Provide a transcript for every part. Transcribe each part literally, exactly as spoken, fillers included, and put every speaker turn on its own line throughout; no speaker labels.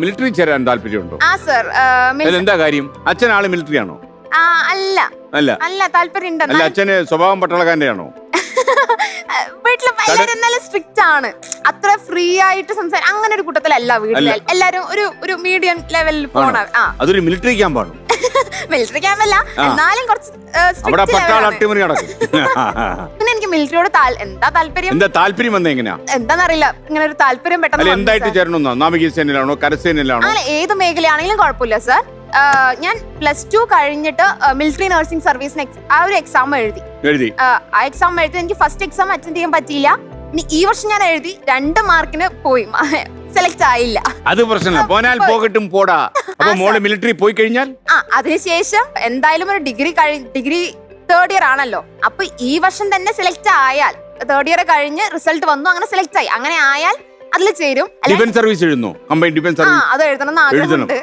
Military ചേരാൻ താല്പര്യമുണ്ടോ?
ആ സർ.
എന്താ കാര്യം? അച്ഛൻ ആള് മിലിറ്ററി ആണോ?
അല്ല
അല്ല
അല്ല താല്പര്യം.
അല്ല അച്ഛന് സ്വഭാവം പട്ടാളക്കാരന്റെ ആണോ?
വീട്ടില് എല്ലാരും സ്ട്രിക്റ്റ് ആണ്, അത്ര ഫ്രീ ആയിട്ട് സംസാരിക്കും അങ്ങനെ ഒരു കൂട്ടത്തിലല്ല വീട്ടിൽ. എല്ലാരും ഒരു ഒരു മീഡിയം ലെവലിൽ പോണ.
അതൊരു മിലിറ്ററി ക്യാമ്പാണ്.
മിലിറ്ററി ക്യാമ്പല്ല, എന്നാലും കുറച്ച് പിന്നെ എനിക്ക് മിലിറ്ററിയോട് എന്താ താല്പര്യം
എന്താ താല്പര്യം വന്ന എങ്ങനെയാ
എന്താന്നറിയില്ല, ഇങ്ങനെ ഒരു താല്പര്യം പെട്ടെന്ന്
എന്തായിട്ട് ചേരണമെന്നോ? നാവികസേനയിലാണോ കരസേനയിലാണോ?
അങ്ങനെ ഏത് മേഖലയാണെങ്കിലും കുഴപ്പമില്ല സർ. ഞാൻ പ്ലസ് ടു കഴിഞ്ഞിട്ട് മിലിറ്ററി നഴ്സിംഗ് സർവീസിന് ആ ഒരു എക്സാം എഴുതി
എഴുതി
ആ എക്സാം എഴുതി എനിക്ക് ഫസ്റ്റ് എക്സാം അറ്റൻഡ് ചെയ്യാൻ പറ്റിയില്ല. ഇനി ഈ വർഷം ഞാൻ എഴുതി, രണ്ട് മാർക്കിന് പോയി, സെലക്ട് ആയില്ല.
അത് പ്രശ്നമില്ല, പോനാൽ പോകട്ടും പോടാ. അപ്പൊ മോള് മിലിറ്ററി പോയി കഴിഞ്ഞാൽ
ആ അതിനുശേഷം എന്തായാലും ഒരു ഡിഗ്രി കഴി ഡിഗ്രി തേർഡ് ഇയർ ആണല്ലോ, അപ്പൊ ഈ വർഷം തന്നെ സെലക്ട് ആയാൽ തേർഡ് ഇയർ കഴിഞ്ഞ് റിസൾട്ട് വന്നു, അങ്ങനെ സെലക്ട് ആയി, അങ്ങനെ ആയാൽ അതിൽ ചേരും.
ഡിഫൻസ് സർവീസ് എഴുതുന്നു, കമ്പൈൻ ഡിഫൻസ് സർവീസ്.
അത് എഴുതണം ആഗ്രഹമുണ്ട്.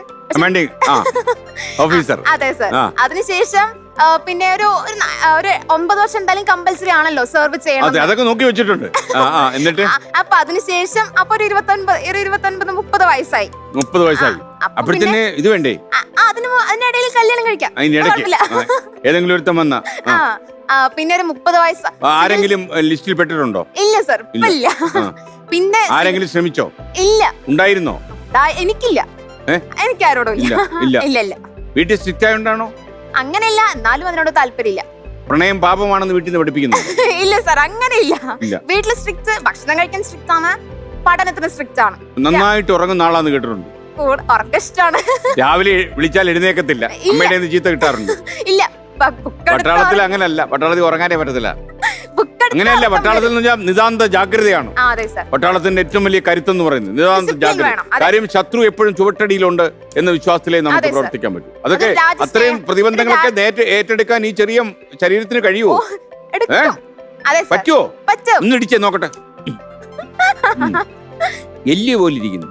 അതെ സർ. അതിനുശേഷം പിന്നെ ഒരു ഒരു ഒമ്പത് വർഷം എന്തായാലും കമ്പൽസറി ആണല്ലോ സെർവ് ചെയ്യണം.
അതൊക്കെ നോക്കി വെച്ചിട്ടുണ്ട്. എന്നിട്ട്
അപ്പൊ അതിനുശേഷം അപ്പൊ ഒരു ഇരുപത്തൊൻപത് ഇരുപത്തൊൻപത് മുപ്പത് വയസ്സായി.
മുപ്പത് വയസ്സായി അപ്പോഴത്തേന് ഇത് വേണ്ടേ?
അതിന് അതിനിടയിൽ കല്യാണം കഴിക്കാം.
ഏതെങ്കിലും ഒരുത്തം വന്ന
പിന്നെ ഒരു മുപ്പത് വയസ്സ്
ആരെങ്കിലും ലിസ്റ്റിൽ പെട്ടിട്ടുണ്ടോ?
ഇല്ല സർ, ഇല്ല. പിന്നെ
ആരെങ്കിലും ശ്രമിച്ചോ?
ഇല്ല.
ഉണ്ടായിരുന്നോ?
എനിക്കില്ല, എനിക്ക് ആരോടും ഇല്ല. ഇല്ല ഇല്ല.
വീട്ടിൽ സ്ട്രിക്റ്റ് ആയതുകൊണ്ടാണോ?
അങ്ങനെയല്ല, എന്നാലും അതിനോട് താല്പര്യമില്ല.
പ്രണയം പാപമാണെന്ന് വീട്ടിൽ നിന്ന് പഠിപ്പിക്കുന്നു?
ഇല്ല സർ, അങ്ങനെയില്ല. വീട്ടിൽ സ്ട്രിക്റ്റ്, ഭക്ഷണം കഴിക്കാൻ സ്ട്രിക്റ്റ് ആണ്, പഠനത്തിന് സ്ട്രിക്റ്റ് ആണ്.
നന്നായിട്ട് ഉറങ്ങുന്ന ആളാന്ന് കേട്ടിട്ടുണ്ട്.
ഉറക്കിഷ്ടാണ്.
രാവിലെ വിളിച്ചാൽ എഴുന്നേക്കത്തില്ല, അമ്മയുടെ ചീത്ത കിട്ടാറുണ്ട്.
ഇല്ല,
പട്ടാളത്തിൽ അങ്ങനല്ല, പട്ടാളത്തിൽ ഉറങ്ങാനേ പറ്റത്തില്ല. അങ്ങനെയല്ല, പട്ടാളത്തിൽ നിതാന്ത ജാഗ്രതയാണ് പട്ടാളത്തിന്റെ ഏറ്റവും വലിയ കരുത്തെന്ന് പറയുന്നത്. നിതാന്ത ജാഗ്രത. കാര്യം ശത്രു എപ്പോഴും ചുവട്ടടിയിലുണ്ട് എന്ന വിശ്വാസത്തിലേ നമുക്ക് പ്രവർത്തിക്കാൻ പറ്റും. അതൊക്കെ അത്രയും പ്രതിബന്ധങ്ങളൊക്കെ ഏറ്റെടുക്കാൻ ഈ ചെറിയ ശരീരത്തിന് കഴിയുമോ? പറ്റുമോ? ഒന്ന് ഇടിച്ചേ നോക്കട്ടെ. എല്ല് പോലെ ഇരിക്കുന്നു.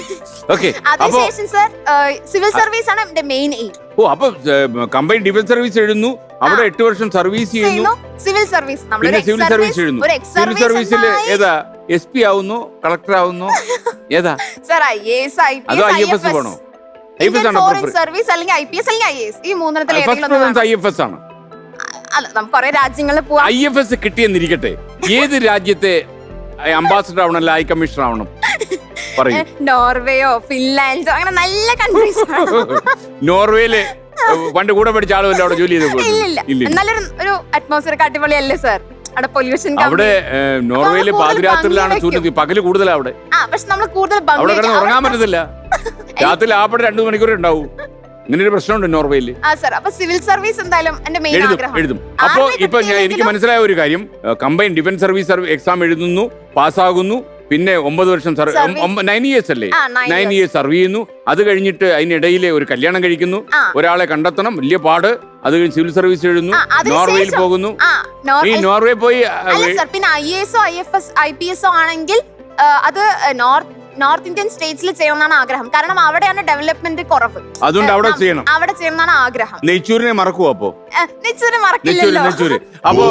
സിവിൽ സർവീസ് ആണ് എന്റെ മെയിൻ എയിം.
ഓ, അപ്പൊ കമ്പൈൻ ഡിഫൻസ് സർവീസ് എഴുതുന്നു, അവിടെ എട്ട് വർഷം സർവീസ് ചെയ്യുന്നു.
സിവിൽ സർവീസ്
പിന്നെ സിവിൽ സർവീസ് എഴുതുന്നു. സിവിൽ സർവീസിൽ ഏതാ? എസ് പി ആവുന്നു, കളക്ടർ ആവുന്നു, ഏതാ? അതോ ഐ എഫ് എസ് പോണോ? ഐ എഫ് എസ് ആണോ?
സർവീസ് അല്ലെങ്കിൽ ഐ പി എസ് അല്ലെങ്കിൽ ഐ എ എസ്, ഈ മൂന്നെണ്ണത്തിൽ
ഐ എഫ് എസ് ആണ്.
അല്ല, നമുക്ക് കുറെ രാജ്യങ്ങളിൽ പോവാം.
ഐ എഫ് എസ് കിട്ടിയെന്നിരിക്കട്ടെ, ഏത് രാജ്യത്തെ അംബാസഡർ ആവണം, അല്ല ഹൈ കമ്മീഷണർ ആവണം?
നോർവേയോ ഫിൻലാൻഡോ അങ്ങനെ നല്ല കൺട്രീസ്.
നോർവേയില് പണ്ട് കൂടെ പഠിച്ച ആളുമല്ല അവിടെ ജോലി ചെയ്ത്.
നല്ലൊരു ഒരു അറ്റ്മോസ്ഫിയർ അടിപൊളിയല്ലേ സർ? അവിടെ പൊല്യൂഷൻ
അവിടെ നോർവേയില് പാതിരാത്രിയിലാണ് സൂര്യൻ, പകല് കൂടുതലാ അവിടെ.
പക്ഷെ നമ്മൾ കൂടുതൽ
അവിടെ കിടന്ന് ഉറങ്ങാൻ പറ്റത്തില്ല, രാത്രി ആപ്പടെ രണ്ടു മണിക്കൂർ ഉണ്ടാവും. ഇങ്ങനെ ഒരു പ്രശ്നമുണ്ട് നോർവേയില്.
അപ്പൊ സിവിൽ സർവീസ് എന്തായാലും എന്റെ മെയിൻ ആഗ്രഹം.
എഴുതും. അപ്പൊ ഇപ്പൊ ഞാൻ എനിക്ക് മനസ്സിലായ ഒരു കാര്യം, കമ്പൈൻ ഡിഫൻസ് സർവീസ് എക്സാം എഴുതുന്നു, പാസ്സാകുന്നു, പിന്നെ ഒമ്പത് വർഷം നയൻ ഇയേഴ്സ് അല്ലേ, നയൻ ഇയേഴ്സ് സർവ് ചെയ്യുന്നു. അത് കഴിഞ്ഞിട്ട് അതിനിടയിലെ ഒരു കല്യാണം കഴിക്കുന്നു, ഒരാളെ കണ്ടെത്തണം, വലിയ പാട്. അത് കഴിഞ്ഞ് സിവിൽ സർവീസ് എഴുതുന്നു, നോർവേയിൽ പോകുന്നു. ഈ നോർവേ പോയി
പിന്നെ ഐ എ എസോ I F S I P എസോ ആണെങ്കിൽ അത് നോർത്ത് നോർത്ത് ഇന്ത്യൻ സ്റ്റേറ്റ്സിൽ ചെയ്യണമെന്നാണ് ആഗ്രഹം. കാരണം അവിടെയാണ് ഡെവലപ്മെന്റ് കുറവ്,
അതുകൊണ്ട് അവിടെ ചെയ്യണം.
അവിടെ ചെയ്യണമെന്നാണ് ആഗ്രഹം.
നെയ്ച്ചൂരിനെ മറക്കുവോ? അപ്പോ
നെയ്ച്ചൂര് മറക്കില്ലല്ലോ.
അപ്പോ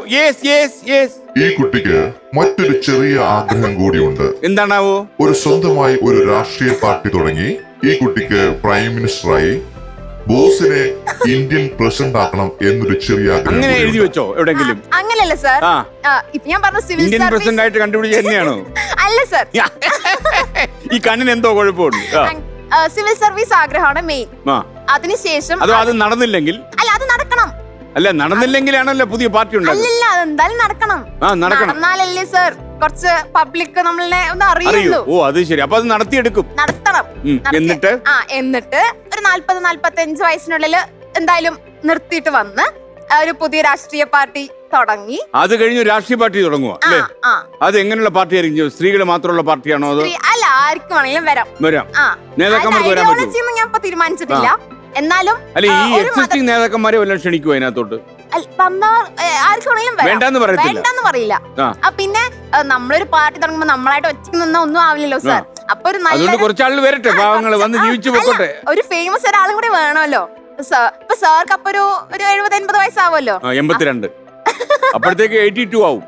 ഈ കുട്ടിക്ക് മറ്റൊരു ചെറിയ ആഗ്രഹം കൂടിയുണ്ട്.
എന്താണാവോ?
ഒരു സ്വന്തമായി ഒരു രാഷ്ട്രീയ പാർട്ടി തുടങ്ങി ഈ കുട്ടിക്ക് പ്രൈം മിനിസ്റ്ററായി ബോസിനെ ഇന്ത്യൻ പ്രസിഡന്റ് ആക്കണം എന്നൊരു ചെറിയ ആഗ്രഹം.
അങ്ങനെ എഴുതി വെച്ചോ എവിടെങ്കിലും?
അങ്ങനെയല്ല സർ, ഇപ്പൊ ഞാൻ പറഞ്ഞ സിവിൽ
ഇന്ത്യൻ പ്രസിഡന്റ് ആയിട്ട് കണ്ടുപിടിച്ച തന്നെയാണോ?
അല്ല സർ,
ഈ കണ്ണിന് എന്തോ കുഴപ്പമുണ്ട്.
സിവിൽ സർവീസ് ആഗ്രഹമാണ് മെയിൻ. അതിനുശേഷം
അതോ അത് നടന്നില്ലെങ്കിൽ?
അല്ല, അത് നടക്കണം.
അല്ല, നടന്നില്ലെങ്കിലാണല്ലോ പുതിയ പാർട്ടി ഉണ്ടാകും.
അല്ല, അതെന്തായാലും നടക്കണം. നടന്നാലല്ലേ സർ കുറച്ച് പബ്ലിക് നമ്മളെ ഒന്ന് അറിയുള്ളൂ.
ഓ, അത് ശരി. അപ്പൊ അത് നടത്തിയെടുക്കും,
നടത്തണം.
എന്നിട്ട്
ആ എന്നിട്ട് ഒരു നാല്പത് നാല്പത്തി അഞ്ച് വയസ്സിനുള്ളിൽ എന്തായാലും നിർത്തിയിട്ട് വന്ന് ഒരു പുതിയ രാഷ്ട്രീയ പാർട്ടി തുടങ്ങി.
അത് കഴിഞ്ഞ് രാഷ്ട്രീയ പാർട്ടി തുടങ്ങുക അല്ലേ? അത് എങ്ങനെയുള്ള പാർട്ടി ആയിരിക്കും? സ്ത്രീകൾ മാത്രമുള്ള പാർട്ടിയാണോ? അതോ
അല്ല, ആർക്കും വേണമെങ്കിലും വരാം.
വരാം. നേതാക്കന്മാർക്ക് വരാൻ പറ്റും.
ഞാൻ ഇപ്പൊ തീരുമാനിച്ചിട്ടില്ല. എന്നാലും
അല്ല, ഈ എക്സിസ്റ്റിംഗ് നേതാക്കന്മാരെ വല്ലതും ക്ഷണിക്കുവോ അതിനകത്തോട്ട്?
വേണ്ടെന്ന് പറയില്ല. പിന്നെ നമ്മളൊരു പാർട്ടി തുടങ്ങുമ്പോ നമ്മളായിട്ട് ഒറ്റയ്ക്ക് നിന്നാ ഒന്നും ആവില്ലല്ലോ സാർ. അപ്പൊ ഒരു നല്ല
കുറച്ചാൾ വരട്ടെ, പാവങ്ങള് വന്ന് ജീവിച്ചു പോട്ടെ.
ഒരു ഫേമസ് ഒരാളും കൂടി വേണമല്ലോ. ഇപ്പൊ സാർക്ക് അപ്പൊ ഒരു ഒരു എഴുപത് എൺപത് വയസ്സാവുമല്ലോ.
എൺപത്തിരണ്ട് അപ്പോഴത്തേക്ക് എയ്റ്റി ടു ആവും.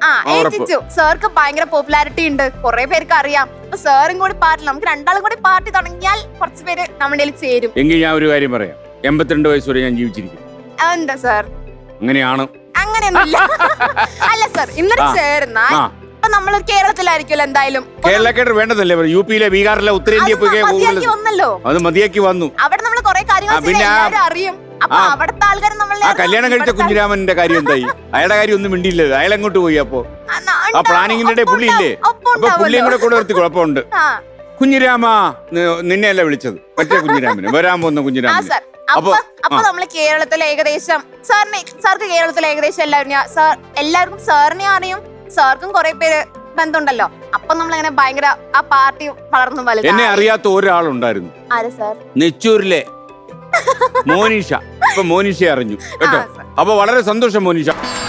സാർക്ക് ഭയങ്കര പോപ്പുലാരിറ്റി ഉണ്ട്, കുറെ പേർക്ക് അറിയാം. അപ്പൊ സാറും കൂടി പാർട്ടി, നമുക്ക് രണ്ടാളും കൂടി പാർട്ടി തുടങ്ങിയാൽ കുറച്ച് പേര് നമ്മുടെ കയ്യിൽ ചേരും.
എങ്കിൽ ഞാൻ ഒരു കാര്യം പറയാം, എൺപത്തിരണ്ട് വയസ്സ് വരെ ഞാൻ ജീവിച്ചിരിക്കും.
എന്താ സാർ
അങ്ങനെയാണ്.
അങ്ങനെയൊന്നുമില്ല. അല്ല സാർ, ഇന്നലെ ചേർന്നാൽ ഇപ്പൊ നമ്മൾ കേരളത്തിലായിരിക്കുമല്ലോ എന്തായാലും.
കേരളക്കാർ വേണ്ടതല്ലേ, യു പിയിലെ ബീഹാറിലെ ഉത്തരേന്ത്യ
വന്നല്ലോ,
അത് മതിയാക്കി വന്നു.
അവിടെ നമ്മൾ കുറെ കാര്യങ്ങൾ അറിയും. അപ്പൊ അവിടുത്തെ ആൾക്കാർ നമ്മളെ
ആ കല്യാണം കഴിച്ച കുഞ്ഞിരാമന്റെ കാര്യം എന്തായി? അയാളുടെ കാര്യം ഒന്നും മിണ്ടിയില്ല, അയാൾ എങ്ങോട്ട് പോയി? അപ്പൊ ആ പ്ലാനിങ്ങിന്റെ ഇടയിൽ പുള്ളി ഇല്ലേ? അപ്പൊ പുള്ളിയും കൂടെ കൂടെ നിർത്തി കുഴപ്പമുണ്ട്. കുഞ്ഞിരാമ നിന്നെയല്ല വിളിച്ചത്, മറ്റേ കുഞ്ഞിരാമന്, വരാൻ പോകുന്ന കുഞ്ഞിരാമൻ.
അപ്പൊ അപ്പൊ നമ്മള് കേരളത്തിലെ ഏകദേശം സാറിന് സാർക്ക് കേരളത്തിലെ ഏകദേശം എല്ലാവരും സാർ എല്ലാവർക്കും സാറിനെ അറിയും, സാർക്കും കുറെ പേര് ബന്ധമുണ്ടല്ലോ. അപ്പൊ നമ്മളങ്ങനെ ഭയങ്കര ആ പാർട്ടി വളർന്നു വലുത്.
എന്നെ അറിയാത്ത ഒരാളുണ്ടായിരുന്നു.
ആര് സാർ?
നെച്ചൂരിലെ മോനിഷ. ഇപ്പൊ മോനിഷ അറിഞ്ഞു കേട്ടോ. അപ്പൊ വളരെ സന്തോഷം മോനിഷ.